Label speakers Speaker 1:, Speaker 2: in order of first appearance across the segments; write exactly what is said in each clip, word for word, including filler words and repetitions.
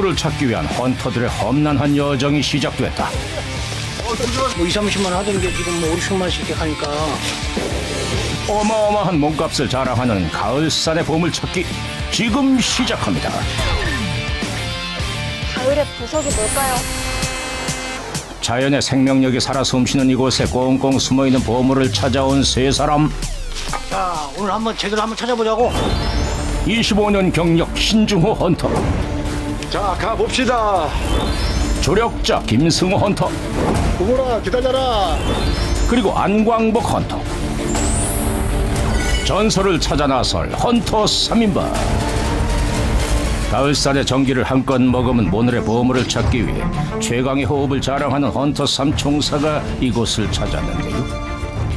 Speaker 1: 보물을 찾기 위한 헌터들의 험난한 여정이 시작됐다.
Speaker 2: 뭐 이삼십만 원 하던 게 지금 뭐 오십만 원씩 이렇게 가니까.
Speaker 1: 어마어마한 몸값을 자랑하는 가을산의 보물 찾기 지금 시작합니다.
Speaker 3: 가을의 보석이 뭘까요?
Speaker 1: 자연의 생명력이 살아 숨쉬는 이곳에 꽁꽁 숨어있는 보물을 찾아온 세 사람.
Speaker 2: 자, 오늘 한번 제대로 한번 찾아보자고.
Speaker 1: 이십오 년 경력 신중호 헌터,
Speaker 4: 자, 가봅시다.
Speaker 1: 조력자 김승호 헌터,
Speaker 4: 구보라 기다려라.
Speaker 1: 그리고 안광복 헌터. 전설을 찾아 나설 헌터 삼 인방. 가을산의 전기를 한껏 머금은 오늘의 보물을 찾기 위해 최강의 호흡을 자랑하는 헌터 삼 총사가 이곳을 찾았는데요.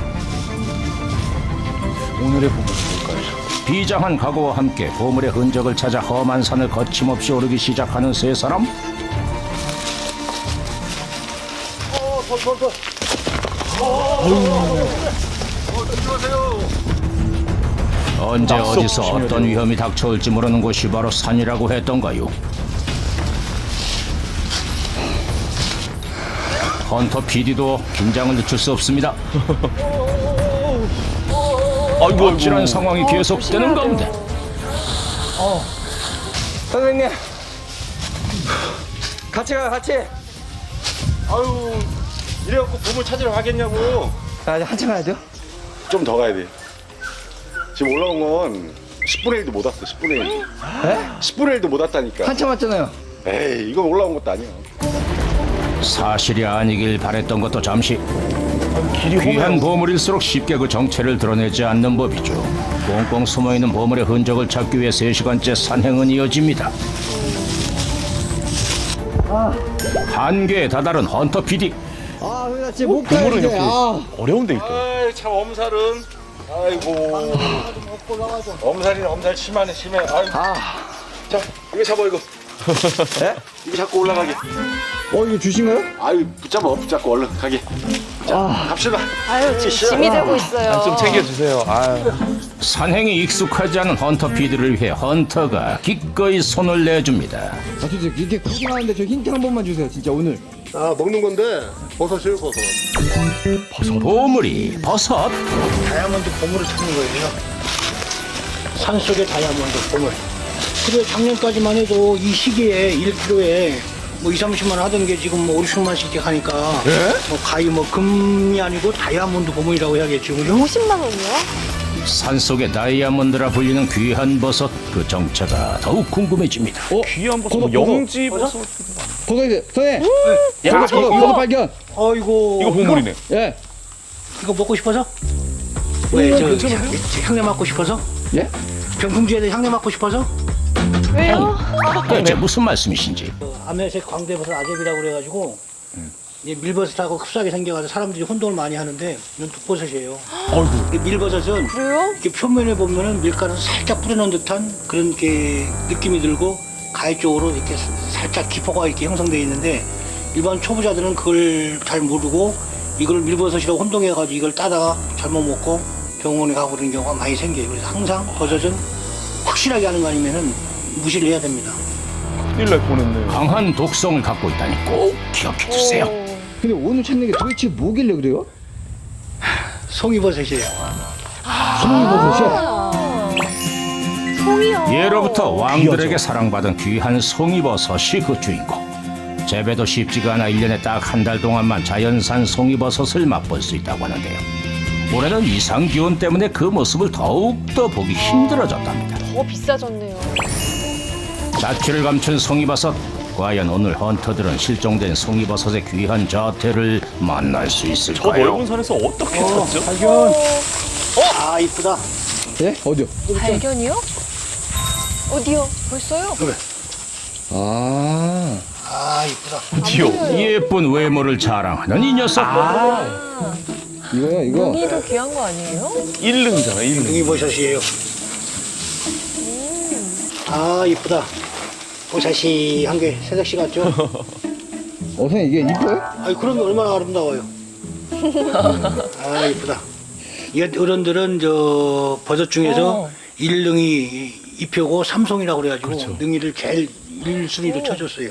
Speaker 4: 오늘의 보물 뭘까요?
Speaker 1: 비장한 각오와 함께 보물의 흔적을 찾아 험한 산을 거침없이 오르기 시작하는 세 사람. 언제 어디서 어떤 위험이 닥쳐올지 모르는 곳이 바로 산이라고 했던가요? 헌터 피디도 긴장을 늦출 수 없습니다.
Speaker 4: 아이고,
Speaker 1: 아찔한 상황이 계속되는 가운데
Speaker 5: 선생님 같이 가요 같이.
Speaker 4: 아유, 이래갖고 보물 찾으러 가겠냐고.
Speaker 5: 아 이제 한참 가야 돼요?
Speaker 4: 좀 더 가야 돼. 지금 올라온 건 십분의 일도 못 왔어. 십분의 일.
Speaker 5: 에?
Speaker 4: 십분의 일도 못 왔다니까.
Speaker 5: 한참 왔잖아요.
Speaker 4: 에이, 이건 올라온 것도 아니야.
Speaker 1: 사실이 아니길 바랬던 것도 잠시. 귀한 보물일수록 쉽게 그 정체를 드러내지 않는 법이죠. 꽁꽁 숨어있는 보물의 흔적을 찾기 위해 세 시간째 산행은 이어집니다. 한계에 다다른 헌터 피디.
Speaker 5: 아 나 진짜 못 가요 이제. 아.
Speaker 4: 어려운 데 있다. 아이, 참 엄살은. 아이고. 엄살이네, 엄살 심하네, 심해. 아이고.
Speaker 5: 아.
Speaker 4: 자, 이거 잡아, 이거.
Speaker 5: 에?
Speaker 4: 이거 잡고 올라가게.
Speaker 5: 어 이거 주신가요?
Speaker 4: 아유, 붙잡아, 붙잡고 얼른 가게. 자,
Speaker 5: 아.
Speaker 4: 갑시다.
Speaker 3: 아유, 지금 짐이 되고 있어요.
Speaker 5: 좀 챙겨주세요. 아.
Speaker 1: 산행이 익숙하지 않은 헌터 피디를 위해 헌터가 기꺼이 손을 내줍니다.
Speaker 5: 아 진짜 이렇게 구경하는데 저 힌트 한 번만 주세요 진짜 오늘.
Speaker 4: 아, 먹는 건데 버섯이에요, 버섯.
Speaker 1: 보물이 버섯.
Speaker 2: 다이아몬드 보물을 찾는 거예요. 산속의 다이아몬드 보물. 그래, 작년까지만 해도 이 시기에 일 킬로그램에 뭐 이삼십만 원 하던 게 지금 뭐 오십만 원씩 이렇게 가니까. 뭐 가히 뭐 금이 아니고 다이아몬드 보물이라고 해야겠죠, 그죠?
Speaker 3: 오십만 원이요?
Speaker 1: 산속의 다이아몬드라 불리는 귀한 버섯, 그 정체가 더욱 궁금해집니다.
Speaker 5: 귀한 버섯. 뭐 영지 버섯. 버섯이 선생님.
Speaker 2: 네.
Speaker 5: 버섯 버섯 버섯 발견.
Speaker 2: 어이고.
Speaker 5: 이거 보물이네. 예.
Speaker 2: 이거 먹고 싶어서? 왜, 저, 향- 향내 맡고 싶어서?
Speaker 5: 예?
Speaker 2: 병풍주에 향내 맡고 싶어서?
Speaker 3: 왜요?
Speaker 1: 대체 무슨 말씀이신지.
Speaker 2: 아메색 광대버섯 아제비라고 그래가지고 이제 밀버섯하고 흡사하게 생겨가지고 사람들이 혼동을 많이 하는데 이건 독버섯이에요. 이 밀버섯은
Speaker 3: 그래요?
Speaker 2: 이렇게 표면에 보면은 밀가루 살짝 뿌려놓은 듯한 그런 게 느낌이 들고 가해 쪽으로 이렇게 살짝 기포가 이렇게 형성되어 있는데 일반 초보자들은 그걸 잘 모르고 이걸 밀버섯이라고 혼동해가지고 이걸 따다가 잘못 먹고 병원에 가고 그런 경우가 많이 생겨요. 그래서 항상 버섯은 확실하게 하는 거 아니면은 무시를 해야 됩니다.
Speaker 5: 큰일 날 뻔했네.
Speaker 1: 강한 독성을 갖고 있다니 꼭 기억해 두세요.
Speaker 5: 근데 오늘 찾는 게 도대체 뭐길래 그래요?
Speaker 2: 송이버섯이에요.
Speaker 5: 송이버섯이요?
Speaker 3: 송이요.
Speaker 1: 예로부터 왕들에게 사랑받은 귀한 송이버섯이 그 주인공. 재배도 쉽지가 않아 일 년에 딱 한 달 동안만 자연산 송이버섯을 맛볼 수 있다고 하는데요. 올해는 이상 기온 때문에 그 모습을 더욱더 보기 힘들어졌답니다.
Speaker 3: 더 비싸졌네요.
Speaker 1: 자취를 감춘 송이버섯. 과연 오늘 헌터들은 실종된 송이버섯의 귀한 자태를 만날 수 있을까요?
Speaker 5: 산에서 어떻게
Speaker 2: 어, 발견. 어? 아, 이쁘다.
Speaker 5: 예? 어디요?
Speaker 3: 발견이요? 어디요? 벌써요?
Speaker 2: 그래.
Speaker 5: 아.
Speaker 2: 아, 이쁘다.
Speaker 3: 어디요?
Speaker 1: 예쁜 외모를 자랑하는 이 녀석.
Speaker 5: 이거요 이거.
Speaker 3: 송이도 귀한 거 아니에요?
Speaker 5: 일릉이잖아 일릉.
Speaker 2: 송이버섯이에요. 아, 이쁘다. 보샤시한 게 새색시 같죠?
Speaker 5: 어 선생님 이게 이뻐요?
Speaker 2: 아니, 그런 게 얼마나 아름다워요. 아, 이쁘다. 이 어른들은 저 버섯 중에서 일능이 잎표고 삼송이라고 그래가지고 능이를 제일 일 순위로 쳐줬어요.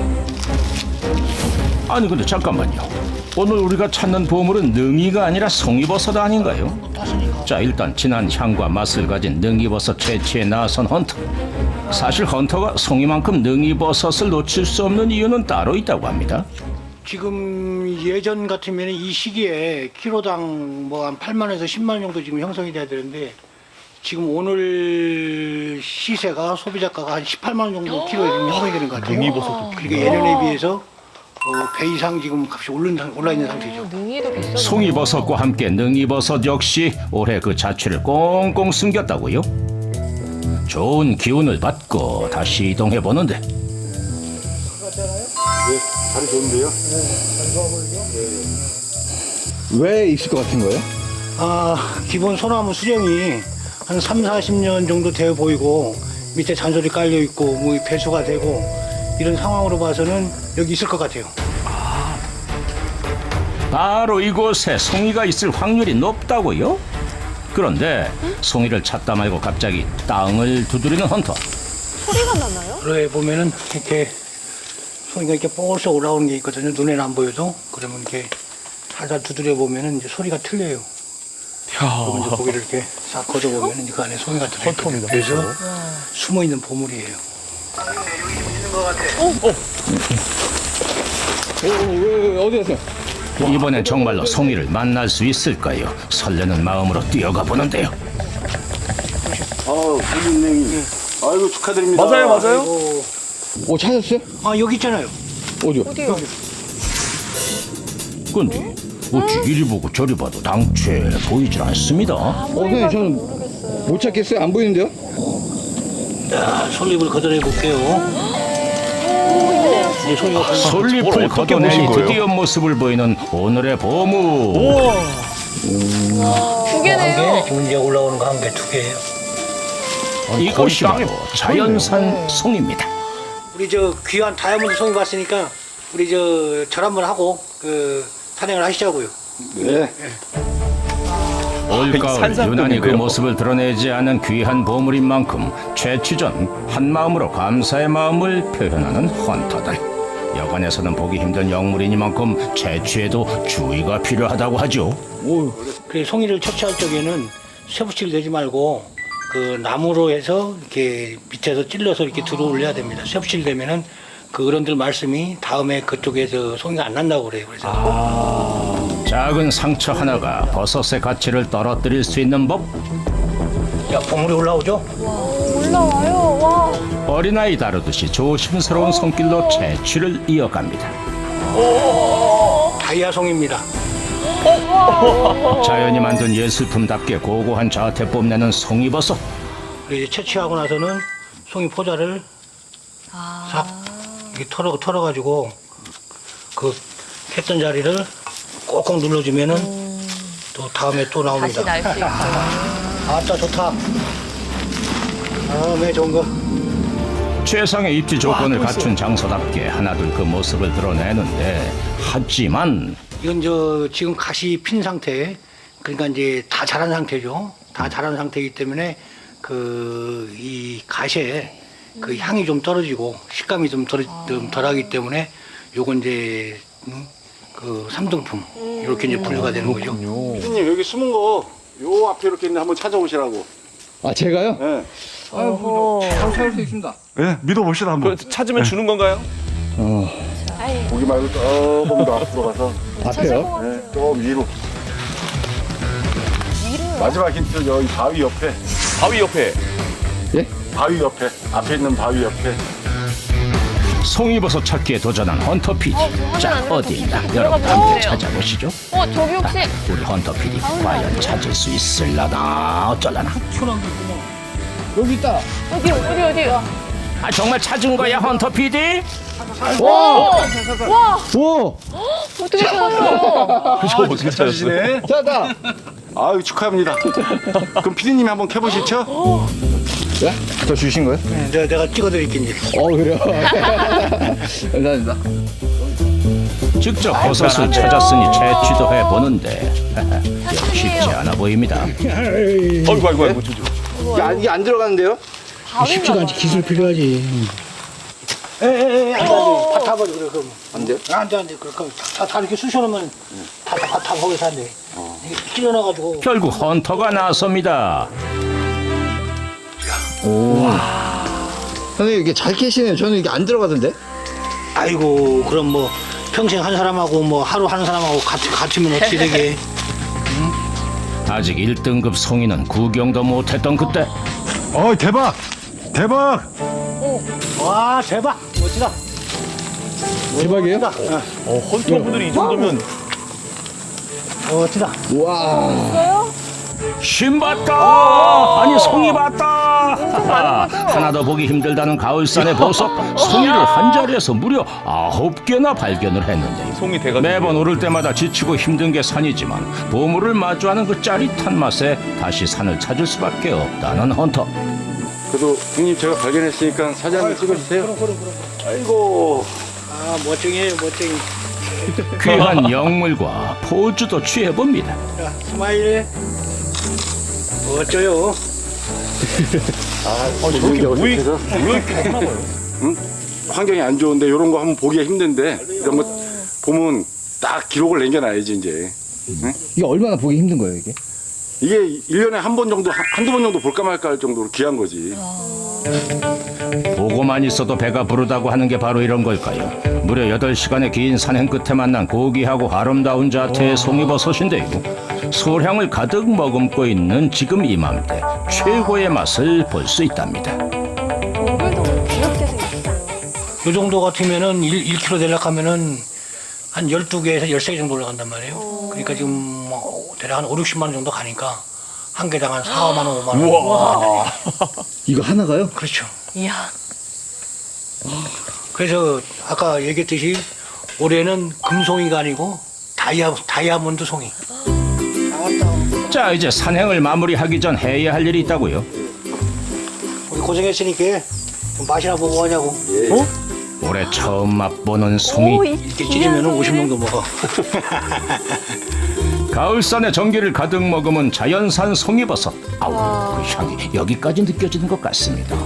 Speaker 1: 아니 근데 잠깐만요. 오늘 우리가 찾는 보물은 능이가 아니라 송이버섯 아닌가요? 자 일단 진한 향과 맛을 가진 능이버섯 채취에 나선 헌터. 사실 헌터가 송이만큼 능이버섯을 놓칠 수 없는 이유는 따로 있다고 합니다.
Speaker 2: 지금 예전 같으면 이 시기에 키로당 뭐 한 팔만 원에서 십만 원 정도 지금 형성이 돼야 되는데 지금 오늘 시세가 소비자가가 한 십팔만 원 정도 키로에 지금 형성이 되는 것 같아요. 그러니까 예년에 비해서 어, 배 이상 지금 값이 오른, 상- 올라 있는 상태죠.
Speaker 3: 능이도 비싸.
Speaker 1: 송이버섯과 함께 능이버섯 역시 올해 그 자취를 꽁꽁 숨겼다고요? 좋은 기운을 받고 다시 이동해 보는데
Speaker 4: 다리 좋은데요?
Speaker 5: 왜 있을 것 같은 거예요?
Speaker 2: 아, 기본 소나무 수령이 한 삼, 사십 년 정도 되어 보이고 밑에 잔소리 깔려 있고 뭐 배수가 되고 이런 상황으로 봐서는 여기 있을 것 같아요.
Speaker 1: 바로 이곳에 송이가 있을 확률이 높다고요? 그런데 송이를 찾다 말고 갑자기 땅을 두드리는 헌터.
Speaker 3: 소리가 나나요?
Speaker 2: 그래 보면은 이렇게 소리가 이렇게 뽀글서 올라오는 게 있거든요. 눈에는 안 보여도 그러면 이렇게 살살 두드려 보면은 이제 소리가 틀려요. 그러면 이제 고개를 이렇게 싹 걷어 보면은 그 안에 소리가 들어있거든요. 그래서 숨어 있는 보물이에요. 여기 좀 있는 것 같아.
Speaker 5: 어, 왜, 왜, 어디 갔어요?
Speaker 1: 이번엔 정말로 송이를 만날 수 있을까요? 설레는 마음으로 뛰어가 보는데요.
Speaker 4: 아우 선생님. 아이고 축하드립니다.
Speaker 5: 맞아요, 맞아요.
Speaker 2: 아이고.
Speaker 5: 어, 찾았어요?
Speaker 2: 아 여기 있잖아요.
Speaker 5: 어디요?
Speaker 3: 어디요?
Speaker 1: 근데 어찌 이리 보고 저리 봐도 당최 보이질 않습니다.
Speaker 5: 어, 선생님, 저는 못 찾겠어요? 안 보이는데요?
Speaker 2: 자, 솔잎을 걷어내 볼게요. 이제 소리가 들려.
Speaker 1: 솔잎을 걷어내니 드디어 모습을 보이는 오늘의 보물.
Speaker 3: 두 개네요.
Speaker 2: 지금 이제 올라오는 거 한 개, 두 개예요.
Speaker 1: 이것이 바로 자연산 송입니다.
Speaker 2: 우리 저 귀한 다이아몬드 송이 봤으니까 우리 저 절 한번 하고 그 산행을 하시자고요.
Speaker 4: 네.
Speaker 1: 올가을 유난히 그 모습을 드러내지 않은 귀한 보물인 만큼 채취 전 한마음으로 감사의 마음을 표현하는 헌터들. 여관에서는 보기 힘든 영물이니만큼 채취에도 주의가 필요하다고 하죠.
Speaker 2: 그래서 송이를 채취할 적에는 쇠붙이를 내지 말고 그 나무로 해서 이렇게 밑에서 찔러서 이렇게 들어 올려야 됩니다. 쇠붙이를 내면은 그 어른들 말씀이 다음에 그쪽에서 송이가 안 난다고 그래요. 그래서
Speaker 1: 작은 상처 하나가 버섯의 가치를 떨어뜨릴 수 있는 법.
Speaker 2: 야 보물이 올라오죠?
Speaker 3: 올라와요. 와.
Speaker 1: 어린아이 다루듯이 조심스러운 손길로 채취를 이어갑니다.
Speaker 2: 다이아송입니다.
Speaker 1: 자연이 만든 예술품답게 고고한 자태 뽐내는 송이버섯.
Speaker 2: 그리고 이제 채취하고 나서는 송이 포자를 싹 이렇게 털어 털어가지고 그 했던 자리를 꼭꼭 눌러주면은 또 다음에 또 나옵니다.
Speaker 3: 다시 날 수 있어요.
Speaker 2: 아따 좋다. 다음에 좋은 거.
Speaker 1: 최상의 입지 조건을 갖춘 장소답게 하나둘 그 모습을 드러내는데 하지만
Speaker 2: 이건 저 지금 가시 핀 상태, 그러니까 이제 다 자란 상태죠. 다 자란 상태이기 때문에 그 이 가시에 그 향이 좀 떨어지고 식감이 좀 덜, 좀 덜하기 때문에 요건 이제 음, 그 삼등품 이렇게 이제 분류가 되는 거죠.
Speaker 4: 피디님 여기 숨은 거 요 앞에 이렇게 있는데 한번 찾아오시라고.
Speaker 5: 아, 제가요?
Speaker 4: 네.
Speaker 5: 아유, 바로 찾을 수 있습니다.
Speaker 4: 네, 믿어봅시다 한번.
Speaker 6: 찾으면 주는 건가요?
Speaker 5: 어,
Speaker 3: 아이,
Speaker 4: 보기 말고 조금 더 앞으로 가서
Speaker 5: 앞에요?
Speaker 4: 네, 좀 위로. 마지막 힌트 여기 바위 옆에.
Speaker 6: 바위 옆에.
Speaker 5: 예?
Speaker 4: 바위 옆에. 앞에 있는 바위 옆에.
Speaker 1: 송이버섯 찾기에 도전한 헌터 피디.
Speaker 3: 어, 저
Speaker 1: 자
Speaker 3: 하면 안
Speaker 1: 어디 있나
Speaker 3: 돼요.
Speaker 1: 여러분
Speaker 3: 들어가
Speaker 1: 함께
Speaker 3: 보세요.
Speaker 1: 찾아보시죠.
Speaker 3: 어, 저기 혹시
Speaker 1: 우리 헌터 피디 과연 찾을 수 있을라나 어쩔라나.
Speaker 5: 여기 있다.
Speaker 3: 어디 어디 어디?
Speaker 1: 아 정말 찾은 거야 헌터 피디?
Speaker 5: 와!
Speaker 3: 와,
Speaker 5: 와!
Speaker 3: 어떻게 찾았어요?
Speaker 6: 저 어떻게 찾았어요?
Speaker 4: 네.
Speaker 5: 찾았다.
Speaker 4: 아유 축하합니다. 그럼 피디님이 한번 캐보시죠.
Speaker 5: 네? 저 주신 거예요?
Speaker 2: 네, 내가, 내가 찍어드릴게 이제.
Speaker 5: 어, 그래요? 감사합니다.
Speaker 1: 직접 버섯을 찾았으니 채취도 해보는데 쉽지 않아 보입니다.
Speaker 6: 아이고 아이고 아이고 저, 저.
Speaker 5: 이게 안, 이게 안 들어가는데요?
Speaker 2: 쉽지가 않지. 기술 필요하지. 에에에 안돼 안돼 다 타버려 그래 그럼
Speaker 7: 안 돼요?
Speaker 2: 안돼 안돼 그럼 다, 다 이렇게 쑤셔놓으면 다다 다 거기서 안돼 이게 찔러놔가지고
Speaker 1: 결국 헌터가 나섭니다.
Speaker 5: 선생님 이게 잘 캐시네요. 저는 이게 안 들어가던데.
Speaker 2: 아이고 그럼 뭐 평생 한 사람하고 뭐 하루 하는 사람하고 같이 같으면 어떻게 되게
Speaker 1: 아직 일 등급 송이는 구경도 못했던 그때
Speaker 4: 어 대박 대박.
Speaker 2: 와 대박 멋지다
Speaker 5: 대박이에요?
Speaker 2: 멋지다
Speaker 6: 어, 헌터분들이 이 정도면
Speaker 2: 어, 멋지다
Speaker 3: 있어요?
Speaker 1: 신 봤다! 아니 송이 봤다! 하나도 보기 힘들다는 가을산의 보석 송이를 한 자리에서 무려 아홉 개나 발견을 했는데요.
Speaker 6: 송이 대가
Speaker 1: 매번 오를 때마다 지치고 힘든 게 산이지만 보물을 마주하는 그 짜릿한 맛에 다시 산을 찾을 수밖에 없다는 헌터.
Speaker 7: 그래도 형님 제가 발견했으니까 사진 한번 찍어주세요.
Speaker 2: 그럼 그럼 그럼
Speaker 7: 아이고.
Speaker 2: 아 멋쟁이에요 멋쟁이
Speaker 1: 귀한 영물과 포즈도 취해봅니다.
Speaker 2: 자 스마일 어쩌요
Speaker 7: 아, 저렇게 모이 응? 환경이 안 좋은데 이런 거 한번 보기가 힘든데 이런 거 보면 딱 기록을 남겨놔야지 이제.
Speaker 5: 이게 얼마나 보기 힘든 거예요 이게?
Speaker 7: 이게 일 년에 한 번 정도 한- 한두 번 정도 볼까 말까 할 정도로 귀한 거지.
Speaker 1: 보고만 있어도 배가 부르다고 하는 게 바로 이런 걸까요? 무려 여덟 시간의 긴 산행 끝에 만난 고귀하고 아름다운 자태의 송이버섯인데요. 소량을 가득 머금고 있는 지금 이맘때 최고의 맛을 볼 수 있답니다.
Speaker 3: 얼굴도 귀엽게 생겼다.
Speaker 2: 요 정도 같으면은 일 킬로그램 되려고 하면은 한 열두 개에서 열세 개 정도 올라간단 말이에요. 그러니까 지금 뭐 대략 한 오륙십만 원 정도 가니까 한 개당 한 사만 원, 오만 원. 우와.
Speaker 5: 이거 하나가요?
Speaker 2: 그렇죠.
Speaker 3: 이야.
Speaker 2: 그래서 아까 얘기했듯이 올해는 금송이가 아니고 다이아, 다이아몬드 송이.
Speaker 1: 자, 이제 산행을 마무리하기 전 해야 할 일이 있다고요.
Speaker 2: 우리 고생했으니까 좀 맛이나 보고 하냐고. 어?
Speaker 1: 올해 처음 맛보는 송이.
Speaker 3: 오, 이
Speaker 2: 이렇게 찌르면 오십 명도 먹어.
Speaker 1: 가을산의 전기를 가득 머금은 자연산 송이버섯. 아우,
Speaker 3: 와.
Speaker 1: 그 향이 여기까지 느껴지는 것 같습니다.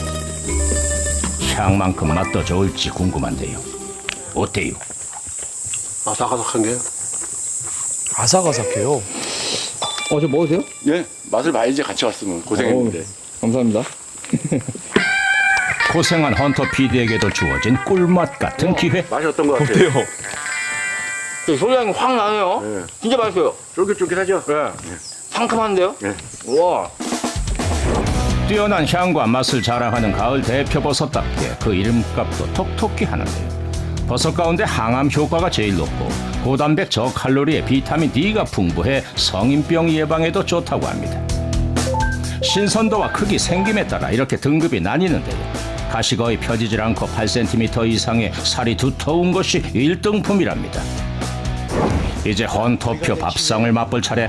Speaker 1: 향만큼 맛도 좋을지 궁금한데요. 어때요?
Speaker 7: 아삭아삭한 게.
Speaker 5: 아삭아삭해요. 어, 저 먹어도 돼요?
Speaker 7: 예, 맛을 봐야지 같이 왔으면 고생했는데.
Speaker 5: 어, 감사합니다.
Speaker 1: 고생한 헌터 피디에게도 주어진 꿀맛 같은 기회.
Speaker 7: 맛이 어떤 것 같아요?
Speaker 6: 어때요?
Speaker 8: 소리향이 확 나네요.
Speaker 7: 네.
Speaker 8: 진짜 맛있어요.
Speaker 7: 쫄깃쫄깃하죠?
Speaker 8: 상큼한데요?
Speaker 7: 네.
Speaker 8: 우와.
Speaker 1: 뛰어난 향과 맛을 자랑하는 가을 대표 버섯답게 그 이름값도 톡톡히 하는데요. 버섯 가운데 항암 효과가 제일 높고 고단백 저칼로리에 비타민 D가 풍부해 성인병 예방에도 좋다고 합니다. 신선도와 크기, 생김에 따라 이렇게 등급이 나뉘는데요. 가시 거의 펴지질 않고 팔 센티미터 이상의 살이 두터운 것이 일 등품이랍니다. 이제 헌터표 밥상을 맛볼 차례.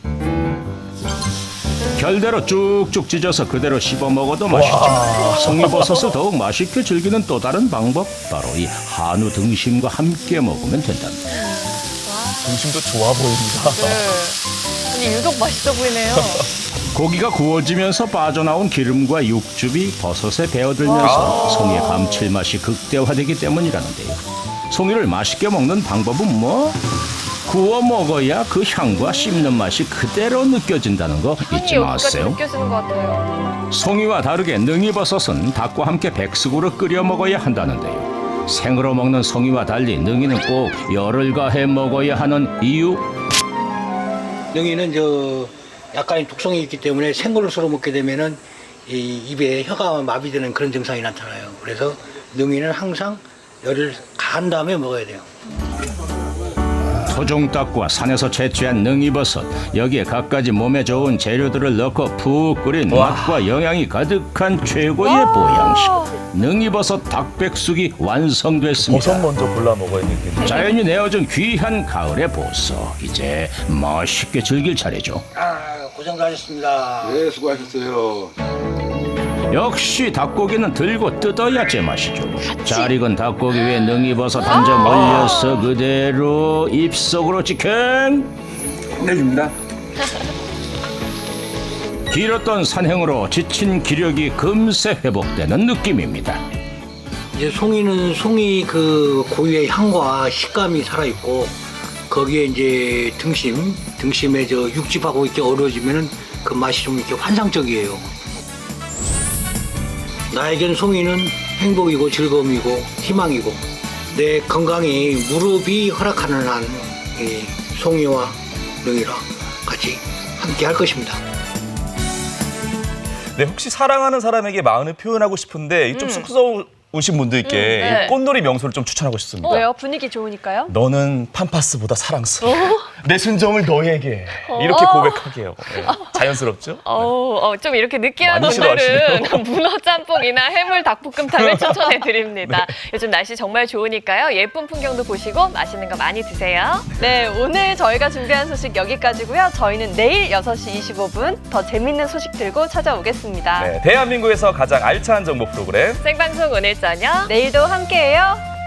Speaker 1: 결대로 쭉쭉 찢어서 그대로 씹어 먹어도 맛있죠. 송이버섯을 더욱 맛있게 즐기는 또 다른 방법, 바로 이 한우 등심과 함께 먹으면 된답니다.
Speaker 6: 중심도 좋아 보입니다.
Speaker 3: 네. 아니, 유독 맛있어 보이네요.
Speaker 1: 고기가 구워지면서 빠져나온 기름과 육즙이 버섯에 배어들면서 송이의 감칠맛이 극대화되기 때문이라는데요. 송이를 맛있게 먹는 방법은 뭐? 구워 먹어야 그 향과 씹는 맛이 그대로 느껴진다는 거
Speaker 3: 향이
Speaker 1: 잊지
Speaker 3: 여기까지
Speaker 1: 마세요.
Speaker 3: 느껴지는 것 같아요.
Speaker 1: 송이와 다르게 능이버섯은 닭과 함께 백숙으로 끓여 먹어야 한다는데요. 생으로 먹는 송이와 달리 능이는 꼭 열을 가해 먹어야 하는 이유?
Speaker 2: 능이는 저 약간의 독성이 있기 때문에 생걸로 썰어 먹게 되면은 이 입에 혀가 마비되는 그런 증상이 나타나요. 그래서 능이는 항상 열을 가한 다음에 먹어야 돼요.
Speaker 1: 토종닭과 산에서 채취한 능이버섯, 여기에 갖가지 몸에 좋은 재료들을 넣고 푹 끓인 맛과 영양이 가득한 최고의 보양식 능이버섯 닭백숙이 완성됐습니다.
Speaker 6: 버섯 먼저 골라 먹어야 되겠네.
Speaker 1: 자연이 내어준 귀한 가을의 보석, 이제 맛있게 즐길 차례죠.
Speaker 2: 아 고생도 하셨습니다.
Speaker 7: 네, 수고하셨어요.
Speaker 1: 역시 닭고기는 들고 뜯어야 제맛이죠. 잘 익은 닭고기 위에 능이버섯 한 점 올려서 그대로 입속으로 직행.
Speaker 7: 끝내줍니다.
Speaker 1: 길었던 산행으로 지친 기력이 금세 회복되는 느낌입니다.
Speaker 2: 이제 송이는 송이 그 고유의 향과 식감이 살아있고 거기에 이제 등심, 등심에 저 육즙하고 이렇게 어우러지면은 그 맛이 좀 이렇게 환상적이에요. 나에겐 송이는 행복이고 즐거움이고 희망이고 내 건강이 무릎이 허락하는 한 이 송이와 능이랑 같이 함께 할 것입니다.
Speaker 6: 네, 혹시 사랑하는 사람에게 마음을 표현하고 싶은데 좀 쑥스러우신 분들께
Speaker 3: 음, 네.
Speaker 6: 이 꽃놀이 명소를 좀 추천하고 싶습니다.
Speaker 3: 왜요? 분위기 좋으니까요?
Speaker 6: 너는 팜파스보다 사랑스러워. 내 순정을 너에게 이렇게 고백하게요. 네. 자연스럽죠?
Speaker 3: 어우, 어, 좀 이렇게 느끼한
Speaker 6: 많이
Speaker 3: 분들은 문어 짬뽕이나 해물 닭볶음탕을 추천해 드립니다. 요즘 날씨 정말 좋으니까요. 예쁜 풍경도 보시고 맛있는 거 많이 드세요. 네, 오늘 저희가 준비한 소식 여기까지고요. 저희는 내일 여섯 시 이십오 분 더 재밌는 소식 들고 찾아오겠습니다.
Speaker 6: 네, 대한민국에서 가장 알찬 정보 프로그램
Speaker 3: 생방송 오늘 저녁 내일도 함께해요.